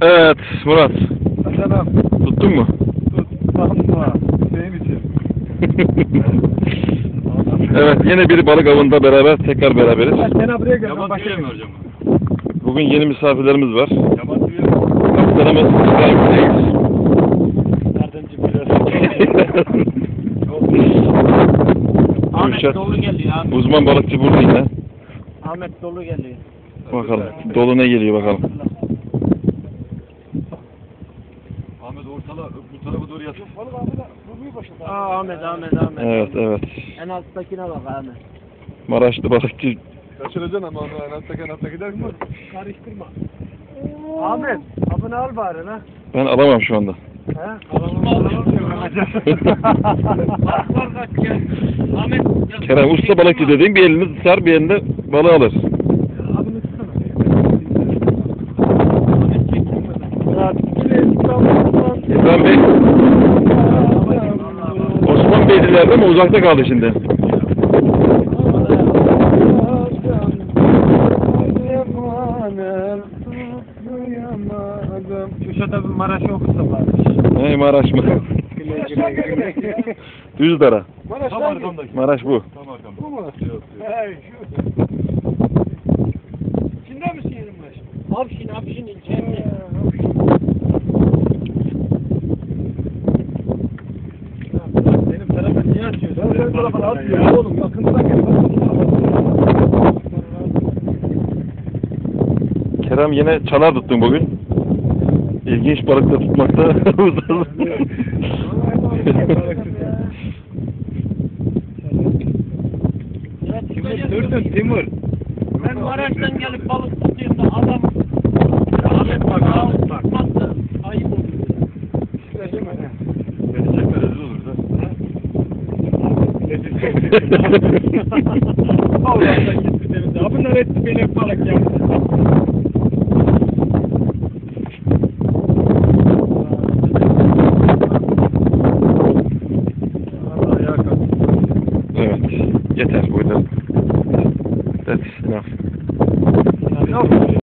Evet Murat. Selam. Tuttun mu? Tutmam. Senin için. Evet yine bir balık avında beraber tekrar beraberiz. Sen buraya gel. Yaban tüyüyor mu hocam? Bugün yeni misafirlerimiz var. Yaban tüyüyor mu? Kaptanımız İbrahim Reis. Nereden çıkıyor? Ahmet Kürşat. dolu geliyor abi. Uzman balıkçı burada yine. Ahmet dolu geliyor. Bakalım dolu ne geliyor bakalım. Ahmet ortala bu tarafa doğru yatıyor. Ahmet. Evet evet. En alttakine bak Ahmet. Maraşlı balıkçı. Kaçıracaksın ama onu en altta gider mi? Karıştırma. Ahmet, abını al bari lan. Ben alamam şu anda. He? Ahmet. Kerem usta balıkçı dediğim bir elini tutar bir elinde balığı alır. Abını tutsana. İbrahim Bey. Osman Beylilerde mi uzakta kaldı şimdi? Kürşat'a bir Maraş'ı okusa bari. Ne Maraş mı? Düzdara. Tam arkamdaki. Maraş bu. Tam arkamda. Bu mu? Hey şu. İçinde misin yerim baş? Abşin ilçemde. Benim tarafa niye atıyorsun? Benim tarafa atmıyor oğlum. Yakından gel. Kerem yine çalar tuttun bugün. İlginç balıkla tutmakta ustasın. Timur. Ben Maraş'tan gelip balık tuttuğumda adam Ahmet bak, Ahmet bak. tutmazsa ayıp olur. Beni çekme rezil olur da. Allah'tan gitti denize. Bunlar etti beni hep balık yaptı. Evet. Yeter bu kadar. That's enough.